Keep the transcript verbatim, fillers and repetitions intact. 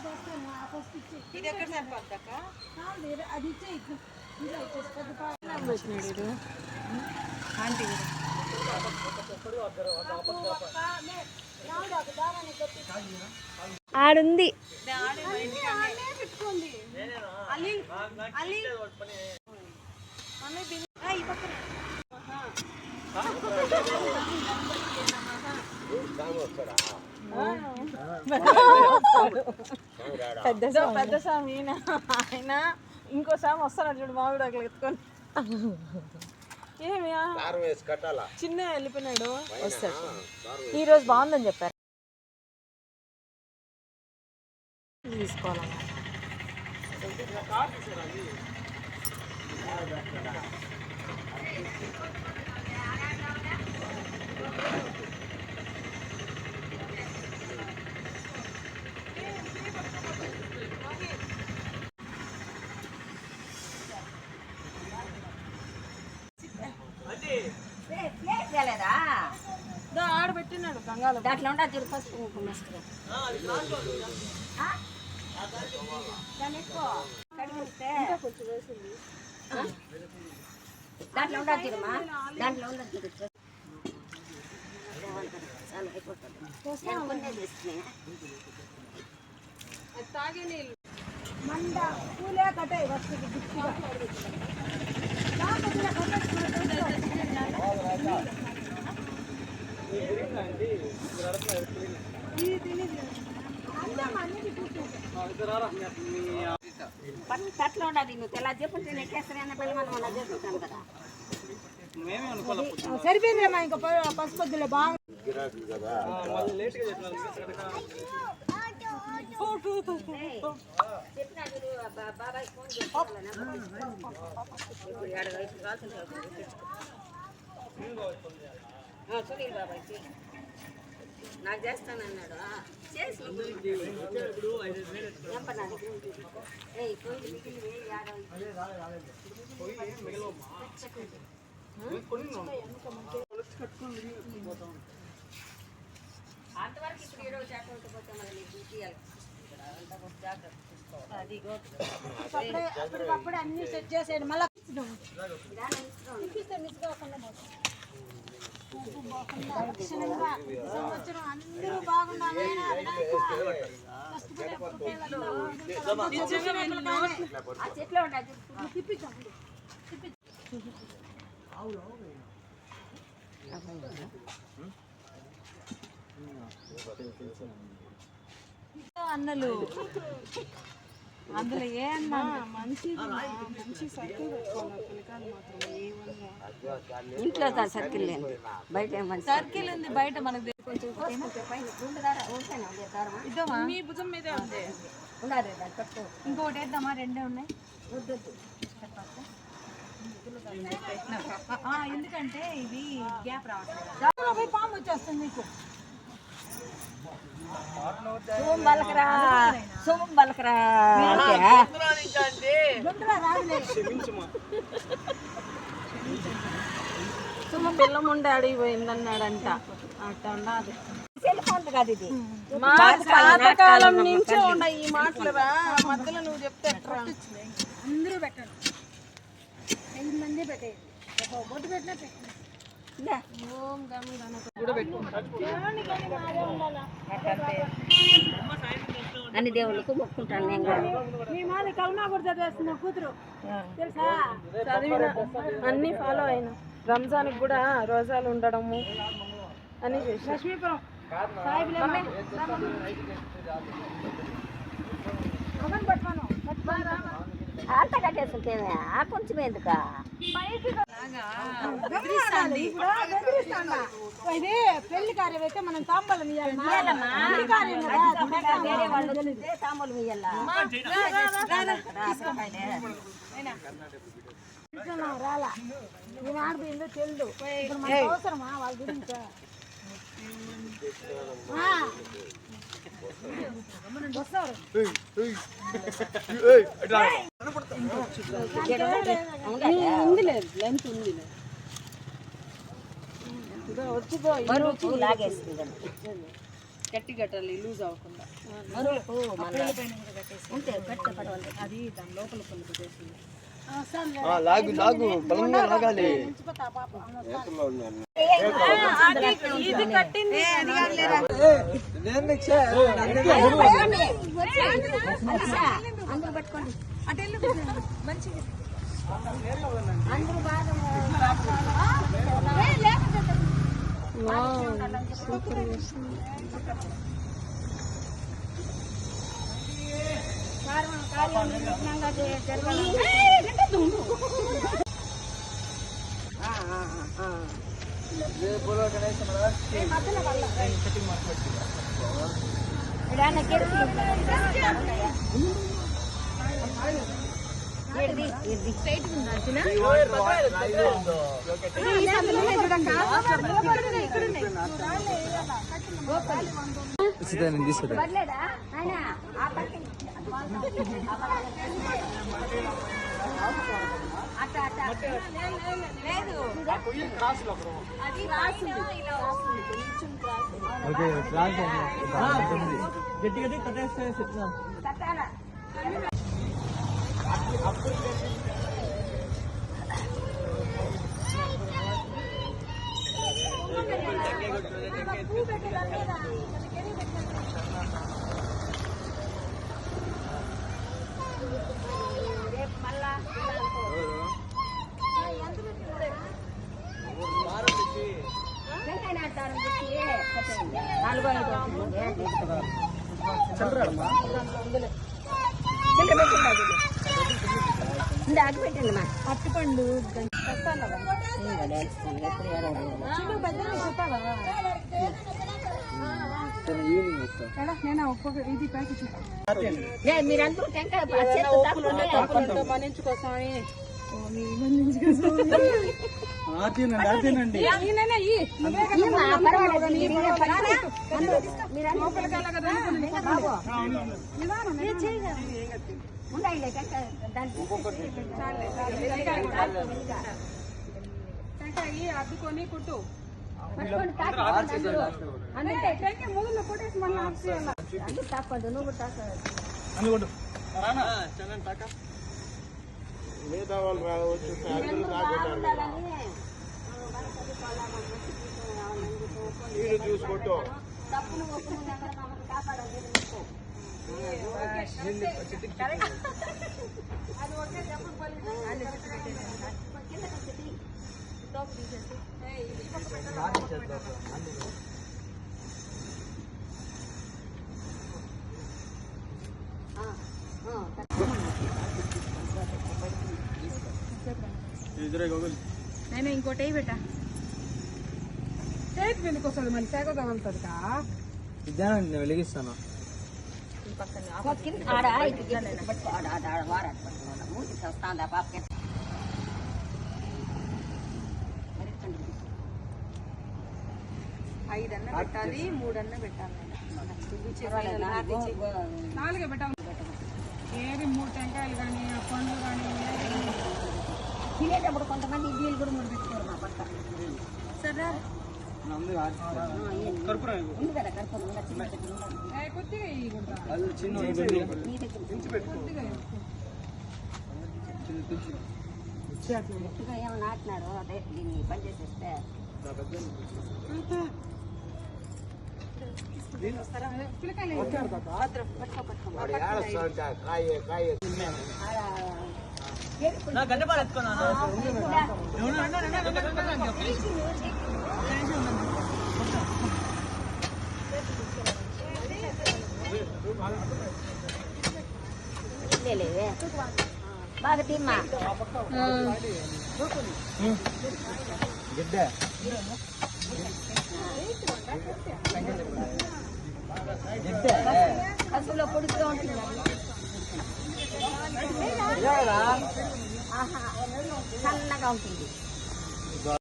ఇది ఎక్కడ సరిపోద్దక్క అది ఇచ్చే ఆంటీ ఆడుంది పెట్టుకోండి పెద్ద పెద్ద స్వామి ఆయన ఇంకో స్వామి వస్తాడు చూడు మామిడి అట్లా ఎత్తుకొని ఏమి చిన్న వెళ్ళిపోయినాడు వస్తాడు ఈ రోజు బాగుందని చెప్పారు తీసుకోవాలన్నా ఆడబెట్టినాడు గంగాలో దాంట్లో ఉంటా చూడు పసుపు కుంకుమ దాంట్లో ఉంటా చూడమ్మా దాంట్లో ఉండదు చూడు తాగే నీళ్ళు మండ పూలే కట్టాయి వస్తుంది తట్లో ఉండదు నువ్వు తెల్ల చెప్పుంటే నెక్కేస్తానే పెళ్ళి మనం అలా చేసుకుంటాను కదా సరిపోయిందిలేమ్మా ఇంకా పసుపొద్దులే బాగా బాబాయ్ ఫోన్ సునీల్ బాబాయ్ నాకు చేస్తానన్నాడు చేసి అంతవరకు ఇప్పుడు ఈరోజు చేపలతో పోతే మళ్ళీ నీకు తీయాలి అప్పటికప్పుడు అన్ని సెట్ చేసేయండి మళ్ళీ అందరూ బాగుండాలి చెట్లు ఉంటాయి అన్నలు అందులో ఏ అన్నా మంచి మంచి సర్కిల్ పెట్టుకోవాలి పిల్లకాయలు మాత్రం ఇంట్లో సర్కిల్ లేదు బయట సర్కిల్ ఉంది బయట మనకు ఇద్దామా మీ భుజం మీదే ఉంది ఇంకోటి వేద్దామా రెండే ఉన్నాయి ఎందుకంటే ఇది గ్యాప్ రావట్లేదు పాము వచ్చేస్తుంది మీకు సోమ బలకరా సోమ బలకరా సుమ పిల్లం ఉండే అడిగిపోయిందన్నాడంట అట్ట అన్నది కాదు ఇది పాతకాలం నుంచే ఉన్నాయి ఈ మాటలు రా మధ్యలో నువ్వు చెప్తే అందరూ పెట్టండి ఐదు మంది పెట్టేది బొట్టు పెట్టినా పెట్టండి అన్ని దేవుళ్ళకు మొక్కుంటాను నేను కూడా మీ మాది కల్మా కూడా చదివేస్తున్నా కూతురు తెలుసా చదివిన అన్ని ఫాలో అయినా రంజాన్కి కూడా రోజాలు ఉండడము అని చేసి లక్ష్మీపురం పట్టుకోను అంత కట్టేసుకుంటేనే ఆ కొంచెం ఎందుక ఇది పెళ్లి కార్యం అయితే మనం తాంబూలం ఇవ్వాలి వేరే వాళ్ళు తాంబూలం ఇయ్యాల రాలా నేను ఆడిపోయిందో తెలియదు ఇప్పుడు మనకు అవసరమా వాళ్ళ గురించి వస్తారు ఉంది లేదు లెంత్ ఉంది బరువు లాగేస్తుంది గట్టి కట్టాలి లూజ్ అవ్వకుండా మరులకు మళ్ళా ఉంటే గట్టి పడవాలి. అది దాని లోపల పళ్ళు పెట్టేసి లాగు లాగు బలంగా లాగాలి. ఇది కట్టింది అందరూ పట్టుకోండి మంచిగా అందరూ బాగా పర్లేదా ఆయన ఆ పక్కన అట్ట అట్ట లేదు అది రాసి గట్టి గట్టి కట్టేస్తే కట్టాలా నాలుగో ఐదు అటు పెట్టండి మా అట్టుపండు నేను ఒక్కొక్క ఇది ప్యాకెట్ మీరందరూ టెంకాయ మనించుకోసమని అద్దుకొని కుట్టు మొదలు కొట్టేసి మళ్ళీ తాపండు నువ్వు తాక మిగతా వాళ్ళు రావచ్చు, ఫ్యాక్టరీలు రాకుంటారు. మీరు చూసుకుంటూ తప్పును ఒప్పును కాపాడాలి. అది ఒకే డబ్బులు నేను ఇంకోటి పెట్టా చేతి వెనుక వస్తుంది మళ్ళీ సేగ తగులుతుంది కా నేను వెలిగిస్తాను. ఆడ ఆడ ఆడ వారాడు మూతి వస్తుందా పాపకి ఐదన్న పెట్టాలి మూడన్న పెట్టాలి నాలుగే పెట్టాలి. ఏది మూడు టెంకాయలు కానీ పండ్లు కానీ తినేటప్పుడు కొంతమంది ఇడ్లీలు కూడా మూడు పెట్టుకోరు మా పక్క సరే ఉంది కదా కర్పూరం కొద్దిగా కొద్దిగా ఏమో నాటినాడు అదే దీన్ని పని చేసేస్తే లేవే బాగా తిమ్మా కసులో పొడిగా ఉంటుంది చల్లగా ఉంటుంది.